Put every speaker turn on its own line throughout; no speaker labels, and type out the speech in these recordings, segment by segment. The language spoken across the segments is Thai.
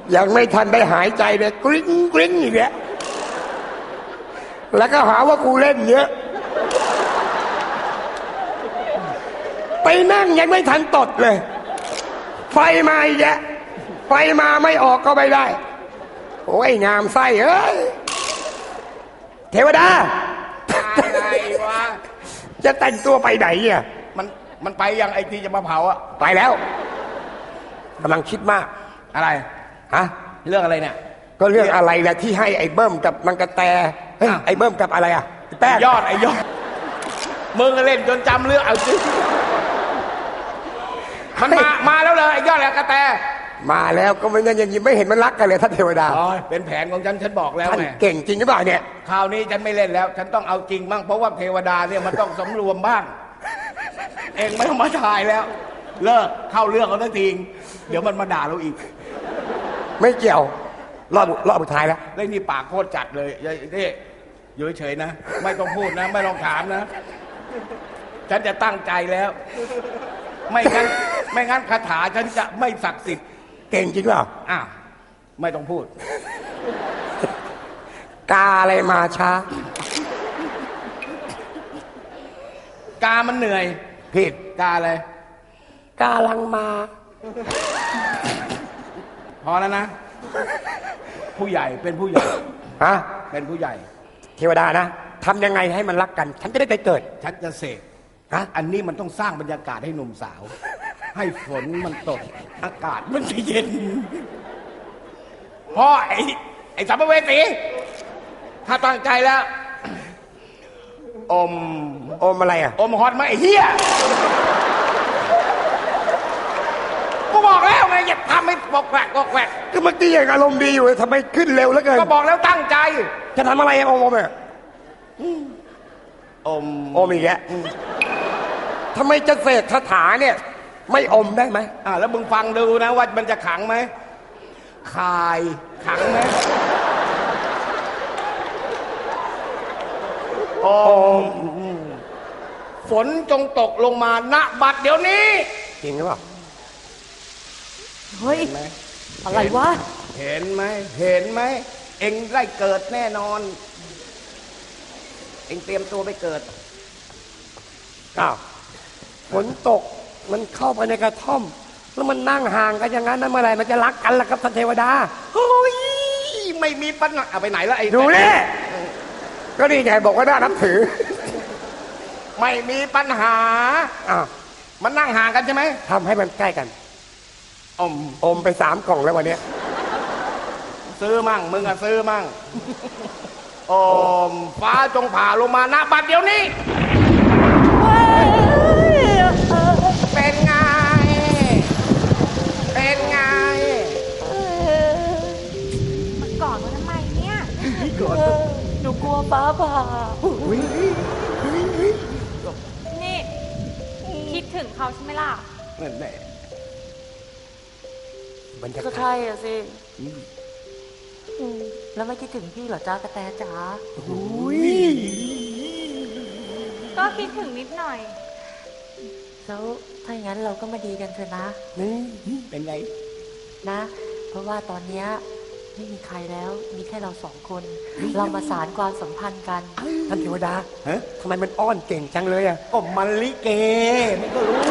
ยังไม่ทันได้หายใจเลยกริ๊งกริ๊งอย่างเงี้ยแล้วก็หาว่ากูเล่นเยอะไปนั่งยังไม่ทันตดเลยไฟมาอีกแล้วไฟมาไม่ออกก็ไม่ได้โอ้ยงามไส้เอ้ยเทวดา
อะไรวะ
จะแต่งตัวไปไหนอ่ะ
มันไปยังไอ้ที่จะมาเผาอะ
ไปแล้วกำลังคิดมาก
อะไร
ฮะ
เรื่องอะไรเนี่ย
ก็เรื่องอะไรแหละที่ให้ไอ้เบิ้มกับนางกระแตเฮ้ยไอ้เบิ้มกับอะไรอ่ะแป้ง
ยอดมึงเล่นจนจำเรื่องเอาจริงมันมาแล้วเลยไอ้ยอดแล้วกระแต
มาแล้วก็ไม่งั้นยังไม่เห็นมันรักกันเลยท่านเทวดา
เป็นแผนของฉันบอกแล้วไง
เก่งจริงหรือเปล่าเนี่ย
คราวนี้ฉันไม่เล่นแล้วฉันต้องเอาจริงบ้างเพราะว่าเทวดาเนี่ยมันต้องสำรวมบ้างเองไม่ต้องมาถ่ายแล้วเลิกเข้าเรื่องเขาทันทีเดี๋ยวมันมาด่าเราอีก
ไม่เกี่ยวรอบสุดท้ายแล้ว
ได้นี่ปากโคตรจัดเลยนี่อยู่เฉยๆนะไม่ต้องพูดนะไม่ต้องถามนะฉันจะตั้งใจแล้วไม่งั้นคาถาฉันจะไม่ศักดิ์สิทธิ์
เก่งจริงเปล่า
ไม่ต้องพูด
กาอะไรมาช้า
กามันเหนื่อย
ผิด
กาอะไร
กาลังมา
พอแล้วนะผู้ใหญ่เป็นผู้ใหญ่เป็นผู้ใหญ่
เทวดานะทำยังไงให้มันรักกันฉันจะได้ไปเกิด
ฉันจะเสกอันนี้มันต้องสร้างบรรยากาศให้หนุ่มสาวให้ฝนมันตกอากาศมันจะเย็นเพราะไอ้สัมภเวสีถ้าตั้งใจแล้วอม
อะไรอ่ะ
อมฮอตไหมไอ้เหี้ยกูบอกแล้วไงอย่าทำให้บอกแหวกบอกแหวก
ก็เมื่อกี้ยังอารมณ์ดีอยู่ทำไมขึ้นเร็วแล้วเกิน
ก็บอกแล้วตั้งใจ
จะทำอะไรอมเนี่ยอมอีกแล้วทำไมจะเสกคาถาเนี่ยไม่อมได้ไหม
แล้วมึงฟังดูนะว่ามันจะขังไหมคายขังไหมฝนจงตกลงมาณบัดเดี๋ยวนี้
จริงหรือเปล่า
เฮ้ยอะไรวะ
เห็นไหมเอ็งได้เกิดแน่นอนเอ็งเตรียมตัวไปเกิด
ฝนตกมันเข้าไปในกระท่อมแล้วมันนั่งห่างกันอย่างนั้นนั่นเมื่อไรมันจะรักกันล่ะครับท่านเทวดา
เฮ้ยไม่มีปัญหาไปไหนแล้วไอ้
ดูนี่ก็นี่ไงบอกว่าน่านับถือ
ไม่มีปัญหามันนั่งห่างกันใช่ไหม
ทำให้มันใกล้กันอมไป3 กล่องแล้ววันนี้
ซื้อมั่งมึงอะซื้อมั่งฟ้าจงผ่าลงมาณบัดเดี๋ยวนี้เป็นไง
มันกอดมันทำไมเนี่ยหนูกลัวฟ้าผ่านี่คิดถึงเขาใช่ไหมล่ะ
นั่นแหละ
ก็ใช่อะสิแล้วไม่คิดถึงพี่เหรอจ้ากระแตจ๋าก็คิดถึงนิดหน่อยแล้วถ้าอย่างนั้นเราก็มาดีกันเถอะนะ
เป็นไง
นะเพราะว่าตอนนี้ไม่มีใครแล้วมีแค่เรา2 คนเรามาสานความสัมพันธ์กัน
ท่านเทวดาทำไมมันอ้อนเก่งจังเลยอ่ะ
ก็มันลิเกมันก็รู้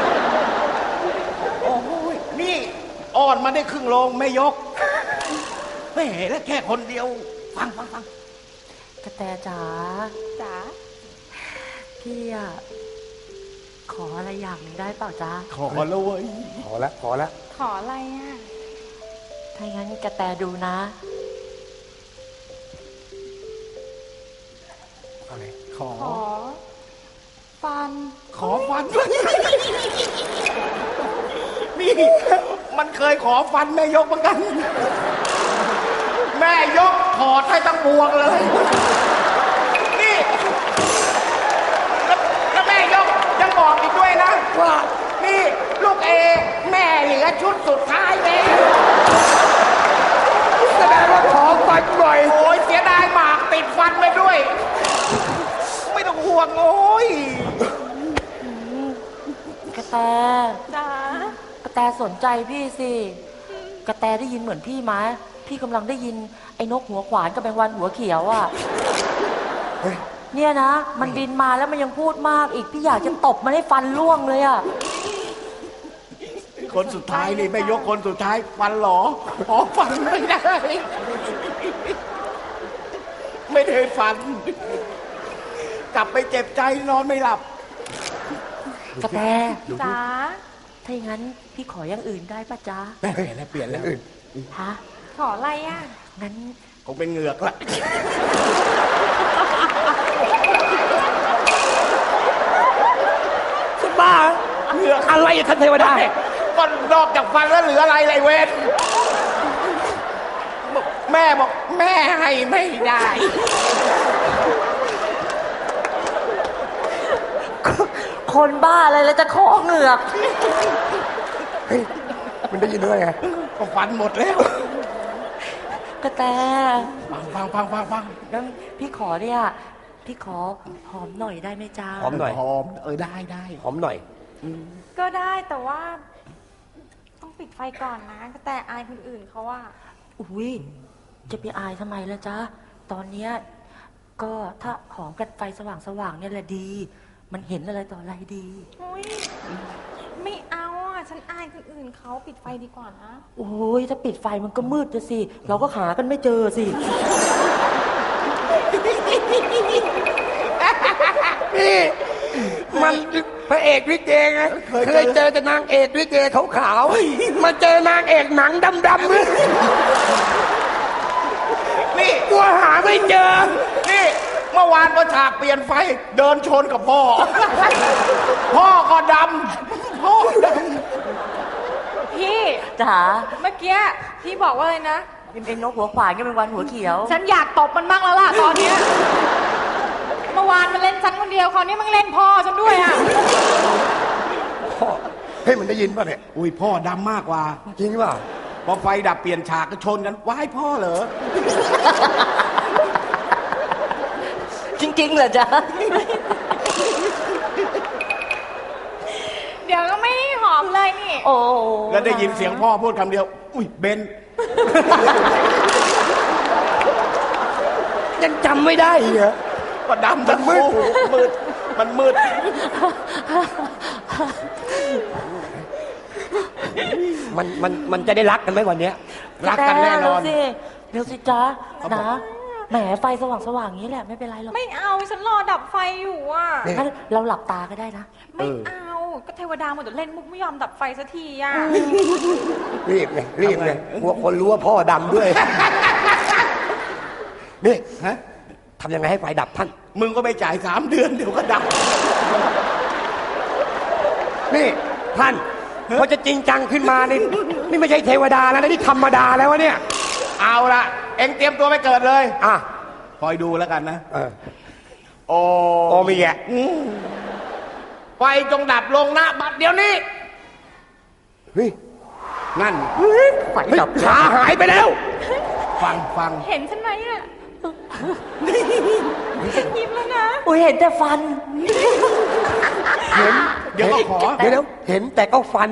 โอ้ยนี่อ้อนมาได้ครึ่งโลงไม่ยกไม่เห็นแล้วแค่คนเดียวฟัง
กระแตจ๋าพี่อะขออะไรอย่างหนึ่งได้เปล่าจ๊ะ
ขอแล้วเว้ย
ขอแล้ว
ขออะไรอ่ะถ้างั้นกระแตดูนะ
อะไร
ขอฟัน
นี่มันเคยขอฟันแม่ยกเหมือนกันแม่ยกถอดให้ตั้งบวงเลยนี่แล้วแม่ยกยังบอกอีกด้วยนะว่านี่ลูกแม่เหลือชุดสุดท้ายเลย
แสดงว่าขอฟันบ่อย
โอ้ยเสียดายหมากติดฟันไปด้วยไม่ต้องห่วงโอ้ย
กระแตจ๋ากระแตสนใจพี่สิกระแตได้ยินเหมือนพี่ไหมพี่กำลังได้ยินไอ้นกหัวขวานกับแมงวันหัวเขียวอ่ะเนี่ยนะมันบินมาแล้วมันยังพูดมากอีกพี่อยากจะตบมันให้ฟันร่วงเลยอ่ะ
คนสุดท้ายนี่ไม่ยกคนสุดท้ายฟันหรออ๋อฟันไม่ได้ ไม่ได้ฟัน กลับไปเจ็บใจนอนไม่หลับ
กระแต
จ๋า
ถ้าอย่างนั้นพี่ขออย่างอื่นได้ปะจ๊ะ
เปลี่ยนแล้วเปลี่ยนแล้ว
ฮะ
ขออะไรอ่ะ
งั้น
คงเป็นเหงือกละ
บ้าเหงือกอะไรอะท่านเทวดา
ก็นอกจากฟันแล้วเหลืออะไรเลยเวทแม่บอกแม่ให้ไม่ได้
คนบ้าอะไรแล้วจะขอเหงือก
เฮ้ยมันได้ยินด้วยไง
ก็ฟันหมดแล้ว
กระแต
ฟัง
งั้นพี่ขอเนี่ยพี่ขอหอมหน่อยได้ไหมจ๊ะ
หอมหน่อย
หอมได้
หอมหน่อย
ก็ได้แต่ว่าต้องปิดไฟก่อนนะแต่อายคนอื่นเขาว่า
อุ้ยจะไปอายทำไมล่ะจ๊ะตอนเนี้ยก็ถ้าหอมกันไฟสว่างๆเนี่ยแหละดี มันเห็นอะไรต่ออะไรดี
อุ้ยไม่เอาอ่ะฉันอายคนอื่นเขาปิดไฟดีกว่านะ
โอ้ยถ้าปิดไฟมันก็มืดจะสิ เราก็หากันไม่เจอสิ
นี่มันพระเอกลิเกไงเคยเจอแต่นางเอกลิเกขาวๆมาเจอนางเอกหนังดำๆเลย
นี่
กลัวหาไม่เจอ
นี่เมื่อวานพอฉากเปลี่ยนไฟเดินชนกับพ่อ พ่อก็ดำพ่อด
พี่
จ๋า
เมื่อกี้พี่บอกว่าอะไรนะ
เป็นนกหัวขวานก็เป็นวันหัวเขียว
ฉันอยากตบมันบ้างแล้วล่ะตอนเนี้ยเมื่อวานมันเล่นฉันคนเดียวคราวนี้มันเล่นพ่อฉันด้วยอ่ะ
เฮ้ยมันได้ยินป่ะเนี่ย
ำอุ้ยพ่อดำมากกว่า
จริงป่ะ
พอไฟดับเปลี่ยนฉากก็ชนกันว้ายพ่อเหรอ
จริงๆเหรอจ๊ะ
เดี๋ยวก็ไม่ได้หอมเลยนี่
โอ้
แล้วได้ยินเสียงพ่อพูดคำเดียว อุ้ยเบน
ยังจำไม่ได้อีกเหรอ
ก็ดำทั้งคู่มืดมันมืด
มันจะได้รักกันไหมวันเนี้ย
รักกันแน่นอน
เร็วสิจ๊ะนะแหมไฟสว่างๆอย่างนี้แหละไม่เป็นไรหรอก
ไม่เอาฉันรอดับไฟอยู่อ่ะ
งั้นเราหลับตาก็ได้นะ
ไม่เอาก็เทวดาหมดแต่เล่นมุกไม่ยอมดับไฟสักทีอ่ะ
รีบไงกลัวคนรู้ว่าพ่อดำด้วย นี่
ฮะ
ทำยังไงให้ไฟดับท่าน
มึงก็ไปจ่าย3 เดือนเดี๋ยวก็ดับ
นี่ท่านพอจะจริงจังขึ้นมานี่ไม่ใช่เทวดาแล้วนะนี่ธรรมดาแล้ววะเนี่ย
เอาละเอ็งเตรียมตัวไปเกิดเลย
อ่ะ
คอยดูแล้วกันนะ โอ
โอมีแก
ไฟจงดับลงนะบัดเดี๋ยวนี้
เฮ้ย
นั่น
ไฟ
เฮ้ย
ดับ
ขาหายไปแล้ว
ฟัง
เห็นฉันไหมอ่ะฉันยิ้มแล้วนะ
โอ้ยเห็นแต่ฟัน
เห็น
เดี๋ยวก็ขอ
เดี๋ยวเห็นแต่ก็ฟัน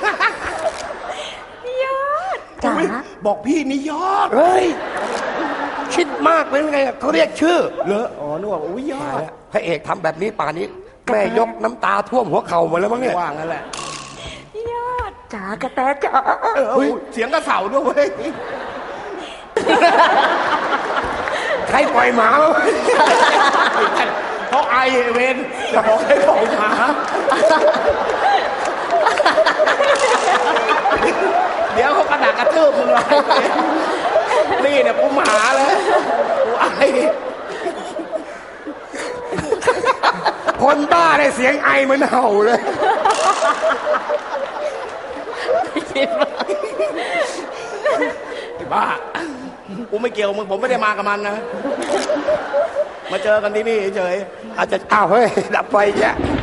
ยอด
จ๋า
อุ๊ยบอกพี่นี่ยอด
เฮ้ยคิดมากเป็นไงเขาเรียกชื่อ
เหรออ๋อนึกว่าอุ้ยยอด
พระเอกทำแบบนี้ป่านนี้แม่ยกน้ำตาท่วมหัวเข่าหมดแล้วมั้งเนี่ย
ว่างั้นแหละ
ยอด
จ๋ากระแตจ๋า
อุ๊ยเสียงกระเสาด้วยเว้ย
ใครปล่อยหมาวะ
เขาไอเวนจะบอกให้ปล่อยหมาเดี๋ยวเขากระดากกระทืบมึงเลยนี่เนี่ยกูหมาเลยกูไอ
คนบ้าเลยเสียงไอเหมือนเห่าเลย
ไอ้บ้า กูไม่เกี่ยวมึงผมไม่ได้มากับมันนะ มาเจอกันที่นี่เฉย
อาจจะอ้าวเฮ้ยดับไฟแยะ